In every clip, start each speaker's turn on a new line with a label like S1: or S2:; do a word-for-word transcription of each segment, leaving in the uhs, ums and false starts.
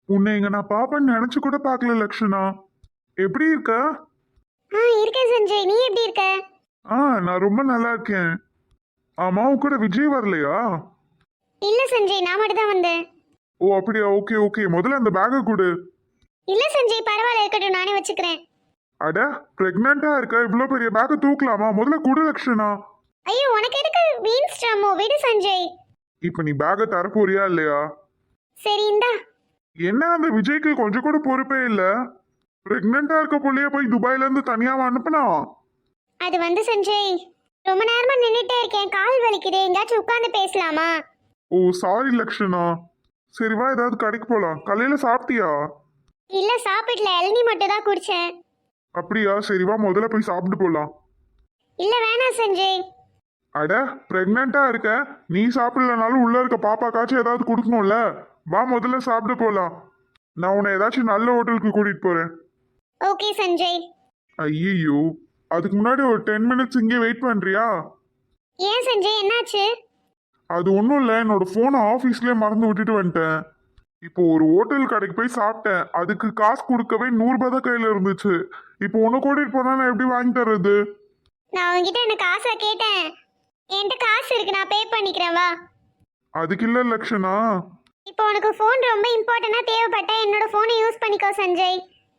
S1: உன்னை இங்க நான் பாப்பேன்னு நினைச்சு கூட பார்க்கல லக்ஷனா. எப்படி இருக்க?
S2: ஆ இருக்கேன் சஞ்சய், நீ எப்படி இருக்க?
S1: ஆ நான் ரொம்ப நல்லா இருக்கேன். ஆமா, உன் கூட விஜய் வரலையா?
S2: இல்ல சஞ்சய், நான் மட்டும் தான் வந்தேன்.
S1: ஓ அப்படியா, ஓகே ஓகே. முதல்ல அந்த பேக்கை கொடு.
S2: இல்ல சஞ்சய், பரவாயில்ல, இருக்கட்டும், நானே வச்சுக்கிறேன்.
S1: அட, பிரெக்னெண்டா இருக்க, இவ்வளோ பெரிய பேக்கை தூக்கலாமா? முதல்ல கொடு லக்ஷனா.
S2: ஐயோ, உனக்கு எதுக்கு வீண் ஸ்ட்ரமோ, விடு சஞ்சய்.
S1: இப்போ நீ பேக்கை தரப்போறியா இல்லையா?
S2: சரி இந்தா.
S1: என்ன அந்த விஜய்க்கு கொஞ்சம் கூட பொறுப்பே இல்லை. பிரெக்னெண்டா இருக்க புள்ளைய போய் துபாயில இருந்து தனியாவா அனுப்புனா?
S2: அது வந்து சஞ்சய், ரொம்ப நேரமா நின்னுட்டே இருக்கேன், கால் வலிக்குது, எங்கேயாச்சும் உட்காந்து பேசலாமா?
S1: Oh sorry Lakshana. சரி வா, ஏதாவது கடைக்கு போலாம். காலையில சாப்பிட்டியா?
S2: இல்ல சாப்பிடல, இளநீ மட்டும் தான் குடிச்சேன்.
S1: அப்படியா, சரி வா முதல்ல போய் சாப்பிட்டு போலாம்.
S2: இல்ல வேணாம் சஞ்சய்.
S1: அட, பிரெக்னெண்டா இருக்க, நீ சாப்பிடலனாலும் உள்ள இருக்க பாப்பாக்காச்சும் ஏதாவது கொடுக்கணும்ல. வா முதல்ல சாப்பிட்டு போலாம். நான் உன்னை ஏதாச்சும் நல்ல ஹோட்டலுக்கு கூட்டிட்டு போறேன்.
S2: ஓகே சஞ்சய்.
S1: ஐயோ, அதுக்கு முன்னாடி ஒரு டென் மினிட்ஸ் இங்கே வெயிட் பண்றியா?
S2: ஏன் சஞ்சய், என்னாச்சு?
S1: அது ஒன்றும் இல்லை, என்னோட ஃபோனை ஆஃபீஸ்லேயே மறந்து விட்டுட்டு வந்துட்டேன். இப்போ ஒரு ஹோட்டல் கடைக்கு போய் சாப்பிட்டேன், அதுக்கு காசு கொடுக்கவே நூறுரூபா தான் கையில் இருந்துச்சு. இப்போ ஒன்று கூட்டிட்டு போனா நான் எப்படி வாங்கி தர்றது?
S2: நான் உங்ககிட்ட எனக்கு காசை கேட்டேன். என்கிட்ட காசு இருக்கு, நான் பே பண்ணிக்கிறேன், வா.
S1: அதுக்கு இல்லை லக்ஷனா.
S2: இப்போ உனக்கு ஃபோன் ரொம்ப இம்பார்ட்டண்டா தேவைப்பட்டா என்னோட ஃபோனை யூஸ் பண்ணிக்கோ சஞ்சய்.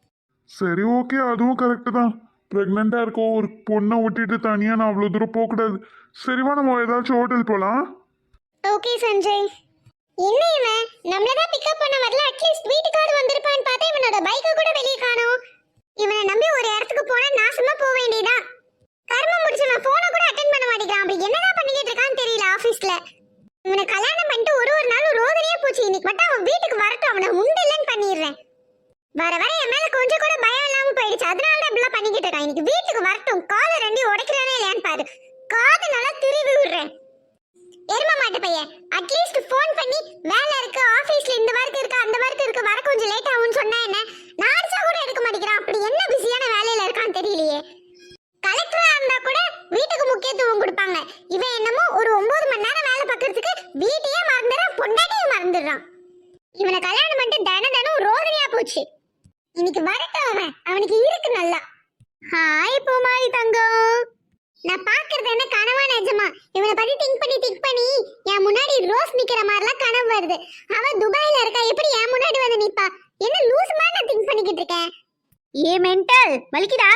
S1: சரி ஓகே, அதுவும் கரெக்டு தான். ப்ரெக்னெண்டா இருக்க ஒரு பொண்ணை விட்டுட்டு தனியாக நான் அவ்வளோ தூரம் போகக்கூடாது. சரிவா, நம்ம ஏதாச்சும் ஹோட்டல் போகலாம்.
S2: ஓகே சஞ்சய். என்ன இவன் நம்மள தான் பிக்கப் பண்ண வரல, அட்லீஸ்ட் வீட்டுக்காவது வந்திருப்பான்னு பார்த்தா இவனோட பைக்கை கூட வெளியே காணோம். இவனை நம்பி ஒரு இடத்துக்கு போனா நாசமா போக வேண்டியதா. கர்மம் முடிச்சவன் போனை கூட அட்டென்ட் பண்ண மாட்டேங்கிறான். அப்படி என்னதான் பண்ணிக்கிட்டு இருக்கான்னு தெரியல ஆபீஸ்ல. இவனை கல்யாணம் பண்ணிட்டு ஒரு ஒரு நாளும் ரோதனையா போச்சு. இன்னைக்கு மட்டும் அவன் வீட்டுக்கு வரட்டும், அவனை உண்டு இல்லைன்னு பண்ணிடுறேன். வர வர என் மேல கொஞ்சம் கூட பயம் இல்லாம போயிடுச்சு, அதனால தான் இப்படிலாம் பண்ணிக்கிட்டு இருக்கான். இன்னைக்கு வீட்டுக்கு வரட்டும், காலை ரெண்டையும் உடைக்கிறானே இல்லையான்னு பாரு. காது நல்லா திருவி விடுறேன். எரும மாட்டு பையன், அட்லீஸ்ட் ஃபோன் பண்ணி வேலை இருக்கு, ஆபீஸ்ல இந்த வர்க் இருக்கு, அந்த வர்க் இருக்கு, வர கொஞ்சம் லேட் ஆகும்னு சொன்னா என்ன? நான் அடிச்சா கூட எடுக்க மாட்டேங்கிறான். அப்படி என்ன பிஸியான வேலையில இருக்கான்னு தெரியலையே. கலெக்டரா இருந்தா கூட வீட்டுக்கு முக்கியத்துவம் கொடுப்பாங்க. இவன் என்னமோ ஒரு ஒன்பது மணி நேரம் வேலை பார்க்கறதுக்கு வீட்டையே மறந்துடுறான், பொண்டாட்டியும் மறந்துடுறான். இவனை கல்யாணம் பண்ணிட்டு தின தினம் ரோதனையா போச்சு. இன்னைக்கு வரட்டும், அவன் அவனுக்கு இருக்கு நல்லா. ஹாய் பூமாரி தங்கம், நான் பாக்குறது என்ன கனவா நிஜமா? இவனை பத்தி திங்க் பண்ணி திங்க் பண்ணி என் முன்னாடி ரோஸ் நிக்கிற மாதிரிலாம் கனவு வருது. அவன் துபாயில இருக்கா, எப்படி என் முன்னாடி வந்து நிப்பா? என்ன லூஸ் மாதிரி நான் திங்க் பண்ணிக்கிட்டு இருக்கேன். ஏ மென்டல், வலிக்குதா?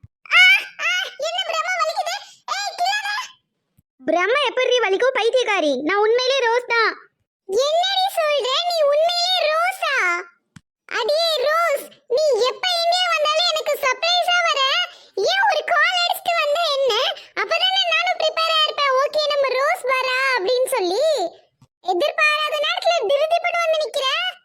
S2: என்ன பிரம்மா வலிக்குது? ஏய் கிளாரா, பிரம்மா எப்படி வலிக்கும் பைத்தியக்காரி? நான் உண்மையிலேயே ரோஸ் தான். என்னடி சொல்ற? நீ உண்மையிலேயே ரோஸா? அடியே ரோஸ், நீ எப்ப இந்தியா வந்தாலும் எனக்கு சர்ப்ரைஸா வர. ஏன் ஒரு கால் அடிச்சிட்டு வந்தா என்ன? அப்பதானே நானும் ப்ரிப்பேரா இருப்பேன். ஓகே நம்ம ரோஸ் வரா அப்படின்னு சொல்லி எதிர்பாராத நேரத்துல திருதிப்பட்டு வந்து நிக்கிற.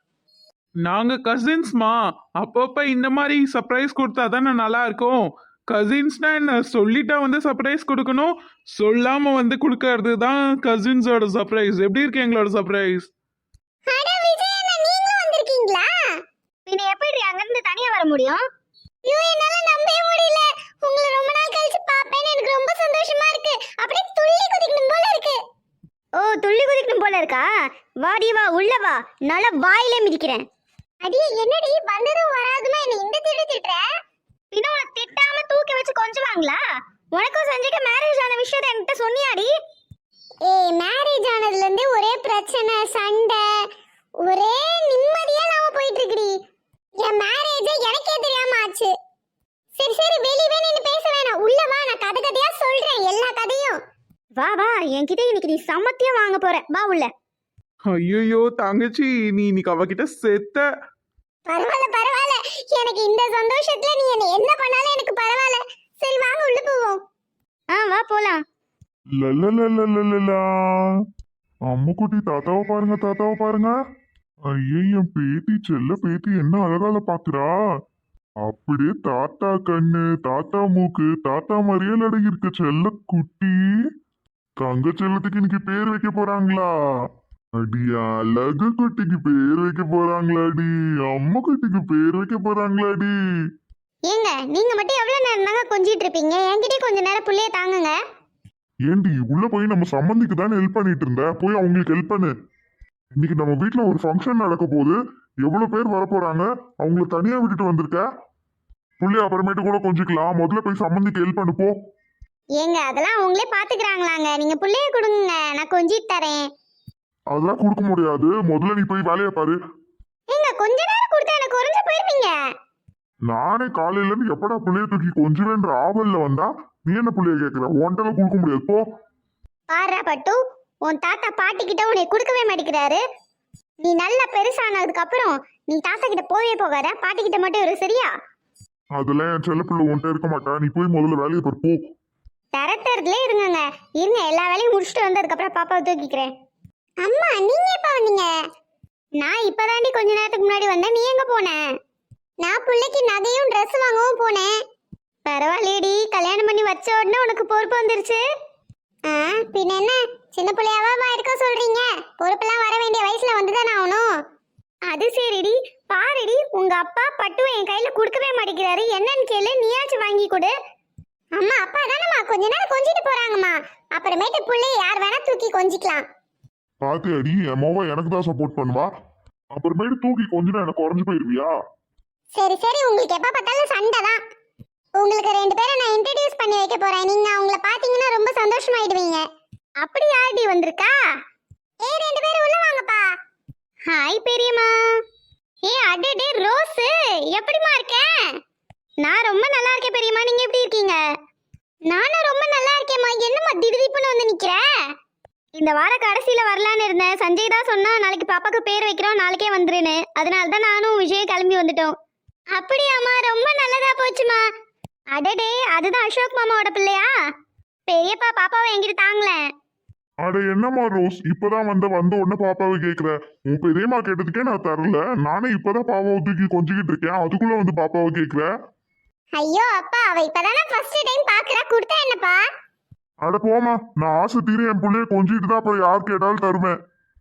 S1: நாங்க கசின்ஸ்மா, அப்பப்ப இந்த மாதிரி சர்ப்ரைஸ் கொடுத்தா தானே நல்லா இருக்கும். கசின்ஸ்னா என்ன, சொல்லிட்டா வந்து சர்ப்ரைஸ் கொடுக்கணும், சொல்லாம வந்து கொடுக்கறது தான் கசின்ஸோட சர்ப்ரைஸ். எப்படி இருக்கு எங்களோட சர்ப்ரைஸ்?
S2: அட விஜய் அண்ணா, நீங்களும் வந்திருக்கீங்களா? பின்ன எப்படி அங்க இருந்து தனியா வர முடியும்? ஐயோ, என்னால நம்பவே முடியல. உங்களை ரொம்ப நாள் கழிச்சு பாப்பேன்னு எனக்கு ரொம்ப சந்தோஷமா இருக்கு. அப்படியே துள்ளி குதிக்கணும் போல இருக்கு. ஓ, துள்ளி குதிக்கணும் போல இருக்கா? வாடி வா, உள்ள வா, நல்ல வாயிலே மிதிக்கிறேன். அடியே என்னடி வந்ததும் வராதுமா என்ன இந்த திட்டு திட்டுற? பின்ன உன திட்டாம தூக்கி வச்சு கொஞ்சுவாங்களா? உனக்கும் சஞ்சய்க்கு மேரேஜ் ஆன விஷயத்தை என்கிட்ட சொன்னியாடி? ஏய், மேரேஜ் ஆனதுல இருந்து ஒரே பிரச்சனை, சண்டை, ஒரே நிம்மதியா நாம போயிட்டு இருக்குடி. என் மேரேஜ் எனக்கே தெரியாம ஆச்சு. சரி சரி, வெளியவே நின்னு பேச வேணாம், உள்ள வா, நான் கதை கதையா சொல்றேன் எல்லா கதையும். வா வா, என்கிட்ட இன்னைக்கு நீ சமத்தியா வாங்க போற, வா உள்ள.
S1: ஐயோ தங்கச்சி, நீ இன்னைக்கு அவகிட்ட செத்த.
S2: பரவாயில்ல பரவாயில்ல, எனக்கு இந்த சந்தோஷத்துல நீ என்ன என்ன பண்ணாலும் எனக்கு பரவாயில்ல. சரி வாங்க உள்ள போவோம். ஆ வா போலாம்.
S1: லலலலலலலா. அம்முக்குட்டி, தாத்தாவை பாருங்க, தாத்தாவை பாருங்க. ஐயே, என் பேத்தி, செல்ல பேத்தி என்ன அழகால பாக்குறா. அப்படியே தாத்தா கண்ணு, தாத்தா மூக்கு, தாத்தா மாதிரியே அடங்கி இருக்க செல்ல குட்டி. தங்க செல்லத்துக்கு இன்னைக்கு பேர் வைக்க போறாங்களா? அடி அழகு குட்டிக்கு பேர் வைக்க போறாங்களாடி. அம்மா குட்டிக்கு பேர் வைக்க போறாங்களாடி.
S2: ஏங்க, நீங்க மட்டும் எவ்வளவு நேரம் தாங்க கொஞ்சிட்டு இருப்பீங்க? என்கிட்ட கொஞ்ச நேரம் புள்ளைய தாங்குங்க.
S1: ஏண்டி, உள்ள போய் நம்ம சம்மந்திக்கு தானே ஹெல்ப் பண்ணிட்டு இருந்த, போய் அவங்களுக்கு ஹெல்ப் பண்ணு. இன்னைக்கு நம்ம வீட்ல ஒரு ஃபங்க்ஷன் நடக்க போகுது. எவ்வளவு பேர் வர போறாங்க? அவங்கள தனியா விட்டுட்டு வந்திருக்க. புள்ளி அப்புறமேட்டு கூட கொஞ்சிக்கலாம். முதல்ல போய் சம்மந்திக்கு ஹெல்ப் அனுப்போ.
S2: ஏங்க அதெல்லாம் அவங்களே பாத்துக்கிறாங்களாங்க. நீங்க புள்ளைய கொடுங்க, நான் கொஞ்சிட்டு தரேன்.
S1: அதெல்லாம் கொடுக்க முடியாது. முதல்ல நீ போய் வேலையை பாரு.
S2: ஏங்க கொஞ்ச நேரம் கொடுத்தா எனக்கு குறைஞ்சு போயிருவீங்க.
S1: நானே காலையில இருந்து எப்படா புள்ளைய தூக்கி கொஞ்சுவேன்ற ஆவல்ல வந்தா நீ என்ன புள்ளைய கேட்கிற? ஒன்றால கொடுக்க முடியாது போ.
S2: பாரா பட்டு, உன் தாத்தா பாட்டி கிட்ட உன்னை கொடுக்கவே மாட்டேங்கிறாரு. நீ நல்லா பெருசானதுக்கு அப்புறம் நீ தாத்தா கிட்ட போவே போகாத, பாட்டி கிட்ட மட்டும் இரு, சரியா?
S1: அதெல்லாம் என் செல்ல பிள்ளை உன்ட்ட இருக்க மாட்டா. நீ போய் முதல்ல வேலையை பாரு போ.
S2: தரத்தரதுல இருங்கங்க. இருங்க, எல்லா வேலையும் முடிச்சுட்டு வந்ததுக்கு அப்புறம் பாப்பாவை தூக்கிக்கிறேன். அம்மா நீங்க எப்ப வந்தீங்க? நான் இப்பதாண்டி கொஞ்ச நேரத்துக்கு முன்னாடி வந்தேன். நீ எங்க போன? நான் பிள்ளைக்கு நகையும் ட்ரெஸ் வாங்கவும் போனேன். பரவாயில்லையடி, கல்யாணம் பண்ணி வச்ச உடனே உனக்கு பொறுப்பு வந்துருச்சு. ஆ பின்ன என்ன, சின்ன பிள்ளையாவா இருக்க சொல்றீங்க? பொறுப்பெல்லாம் வர வேண்டிய வயசுல வந்துதானே ஆகணும். அது சரிடி, பாருடி, உங்க அப்பா பட்டு என் கையில கொடுக்கவே மாட்டேங்கிறாரு. என்னன்னு கேளு, நீயாச்சும் வாங்கி கொடு. அம்மா அப்பா தானம்மா கொஞ்ச நேரம் கொஞ்சிட்டு போறாங்கம்மா. அப்புறமேட்டு பிள்ளைய யார் வேணா தூக்கி கொஞ்சிக்கலாம்.
S1: பாத்து அடி, என் மோவா எனக்கு தான் சப்போர்ட் பண்ணுவா. அப்புறமேட்டு தூக்கி கொஞ்சம் எனக்கு குறைஞ்சு போயிருவியா?
S2: சரி சரி, உங்களுக்கு எப்ப பார்த்தாலும் சண்டை தான். உங்களுக்கு ரெண்டு பேரை நான் இன்ட்ரடியூஸ் பண்ணி வைக்க போறேன். நீங்க அவங்கள பாத்தீங்கன்னா ரொம்ப சந்தோஷமாயிடுவீங்க. அப்படி யாரடி வந்திருக்கா? ஏ ரெண்டு பேரும் உள்ள வாங்கப்பா. ஹாய் பெரியம்மா. ஏ அடடே ரோஸ், எப்படிமா இருக்க? நான் ரொம்ப நல்லா இருக்கேன் பெரியம்மா, நீங்க எப்படி இருக்கீங்க? நானும் ரொம்ப நல்லா இருக்கேம்மா. என்னம்மா திடீர்னு வந்து நிக்கிற? இந்த வார கடைசியில வரலான்னு இருந்தேன். சஞ்சய் தான் சொன்னா நாளைக்கு பாப்பாக்கு பேர் வைக்கிறோம், நாளைக்கே வந்துருன்னு. அதனால தான் நானும் விஜய் கிளம்பி வந்துட்டோம். அப்படியாம்மா, ரொம்ப நல்லதா போச்சுமா. அடடே, அதுதான் அசோக் மாமாவோட பிள்ளையா? பெரியப்பா பாப்பாவை என்கிட்ட தாங்களேன்.
S1: அட என்னம்மா ரோஸ், இப்பதான் வந்த வந்த உடனே பாப்பாவை கேக்குற? உன் பெரியம்மா கேட்டதுக்கே நான் தரல. நானே இப்பதான் பாப்பாவை தூக்கி கொஞ்சிக்கிட்டு இருக்கேன், அதுக்குள்ள வந்து பாப்பாவை கேக்குற?
S2: ஐயோ அப்பா, அவ இப்பதானே ஃபர்ஸ்ட் டைம் பாக்குறா, கொடுத்தா என்னப்பா?
S1: அட போமா, நான் ஆசை தீர என் பிள்ளைய கொஞ்சிட்டு தான் அப்புறம் யார் கேட்டாலும் தருவேன்.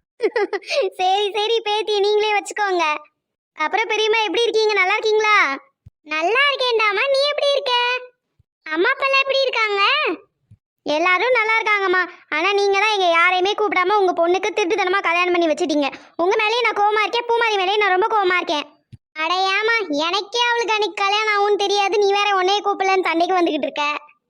S2: சரி சரி பேத்தி, நீங்களே வச்சுக்கோங்க. அப்புறம் பெரியம்மா எப்படி இருக்கீங்க? நல்லா இருக்கீங்களா? நல்லா இருக்கேன்டாமா, நீ எப்படி இருக்க? அம்மா அப்பா எப்படி இருக்காங்க? எல்லாரும் நல்லா இருக்காங்கம்மா. ஆனா நீங்க தான் எங்க யாரையுமே கூப்பிடாம உங்க பொண்ணுக்கு திருட்டுத்தனமா கல்யாணம் பண்ணி வச்சிட்டீங்க. உங்க மேலேயும் நான் கோவமா இருக்கேன், பூமாரி மேலேயும் நான் ரொம்ப கோவமா இருக்கேன். அடையாமா, எனக்கே அவளுக்கு அன்னைக்கு கல்யாணம் ஆகும்னு தெரியாது, நீ வேற உன்னையே கூப்பிடலன்னு சண்டைக்கு வந்துகிட்டு இருக்க.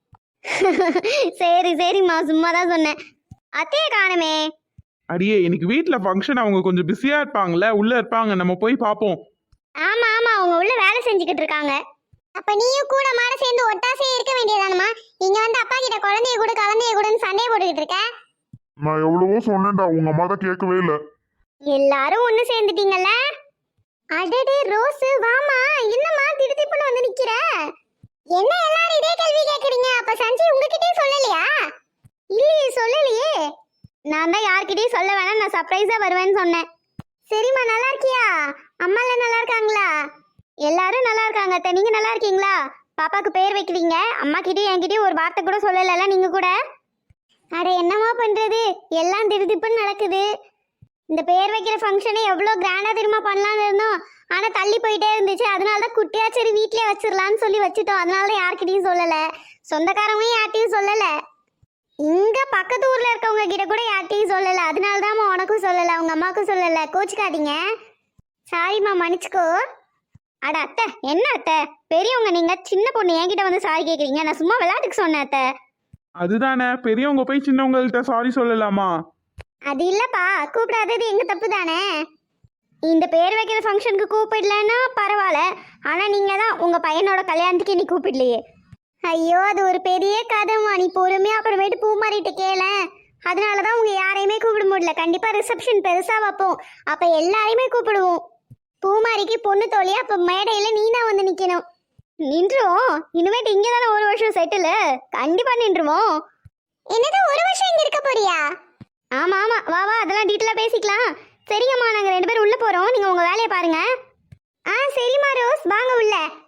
S2: சரி சரிம்மா, சும்மா தான் சொன்னேன். அத்தையை காணுமே.
S3: அடியே, இன்னைக்கு வீட்டில் ஃபங்க்ஷன், அவங்க கொஞ்சம் பிஸியாக இருப்பாங்கல்ல, உள்ளே இருப்பாங்க, நம்ம போய் பார்ப்போம்.
S2: ஆமா ஆமா, அவங்க உள்ள வேலை செஞ்சுக்கிட்டு இருக்காங்க. அப்ப நீயும் கூட மாட சேர்ந்து ஒட்டாசே இருக்க வேண்டியதானமா? இங்க வந்து அப்பா கிட்ட குழந்தைய கூட கலந்தைய கூடன்னு சண்டையை போட்டுக்கிட்டு இருக்க.
S1: நான் எவ்வளவோ சொன்னேன்டா, உங்க அம்மா தான் கேட்கவே இல்லை.
S2: எல்லாரும் ஒண்ணு சேர்ந்துட்டீங்கல்ல? அடடே ரோஸ், வாமா. என்னம்மா திடுதிப்புன்னு வந்து நிக்கிற? என்ன எல்லாரும் இதே கேள்வி கேக்குறீங்க? அப்ப சஞ்சய் உங்ககிட்டயே சொல்லலையா? இல்லையே, சொல்லலையே. நான் தான் யார்கிட்டயும் சொல்ல வேணாம், நான் சர்ப்ரைஸா வருவேன்னு சொன்னேன். சரிம்மா, நல்லா இருக்கியா? அம்மா எல்லாம் நல்லா இருக்காங்களா? எல்லாரும் நல்லா இருக்காங்க அத்தை. நீங்க நல்லா இருக்கீங்களா? பாப்பாக்கு பேர் வைக்கிறீங்க, அம்மா கிட்டயும் என்கிட்டயும் ஒரு வார்த்தை கூட சொல்லல நீங்க கூட. அட என்னமா பண்றது, எல்லாம் திடுதிப்புன்னு நடக்குது. இந்த பேர் வைக்கிற ஃபங்க்ஷனை எவ்வளோ கிராண்டா தெரியுமா பண்ணலான்னு இருந்தோம். ஆனா தள்ளி போயிட்டே இருந்துச்சு. அதனால தான் குட்டியா சரி வீட்லயே வச்சிடலான்னு சொல்லி வச்சுட்டோம். அதனால தான் யார்கிட்டயும் சொல்லல, சொந்தக்காரவங்க யார்கிட்டயும் சொல்லல, இங்க பக்கத்து ஊர்ல இருக்கவங்க கிட்ட கூட யார்கிட்டயும் சொல்லல. அதனால தான் உனக்கும் சொல்லல, உங்க அம்மாவுக்கும் சொல்லல. கோச்சுக்காதீங்க. சாரிம்மா, மன்னிச்சுக்கோ. அட அத்தை, என்ன அத்தை பெரியவங்க நீங்க, சின்ன பொண்ணு என்கிட்ட வந்து சாரி கேக்குறீங்க? நான் சும்மா விளையாட்டுக்கு சொன்னேன் அத்தை.
S3: அதுதானே, பெரியவங்க போய் சின்னவங்கள்ட்ட சாரி சொல்லலாமா?
S2: அது இல்லப்பா, கூப்பிடாதது எங்க தப்பு தானே. இந்த பேர் வைக்கிற ஃபங்க்ஷனுக்கு கூப்பிடலன்னா பரவாயில்ல, ஆனா நீங்க தான் உங்க பையனோட கல்யாணத்துக்கு நீ கூப்பிடலையே. ஐயோ, அது ஒரு பெரிய கதைமா. நீ பொறுமையா அப்புறமேட்டு பூ மாறிட்டு கேள. அதனாலதான் உங்க யாரையுமே கூப்பிட முடியல. கண்டிப்பா ரிசப்ஷன் பெருசா வைப்போம், அப்ப எல்லாரையுமே கூப்பிடுவோம். பூமாரிக்கு பொண்ணு தோழியா, அப்ப மேடையில நீ தான் வந்து நிக்கணும். நின்றுவோம். இனிமேட்டு இங்க தானே ஒரு வருஷம் செட்டில், கண்டிப்பா நின்றுவோம். என்னது, ஒரு வருஷம் இங்க இருக்க போறியா? ஆமா ஆமா, வா வா, அதெல்லாம் டீட்டெயிலா பேசிக்கலாம். சரிங்கம்மா, நாங்க ரெண்டு பேரும் உள்ள போறோம், நீங்க உங்க வேலையை பாருங்க. ஆ சரிம்மா ரோஸ், வாங்க உள்ள.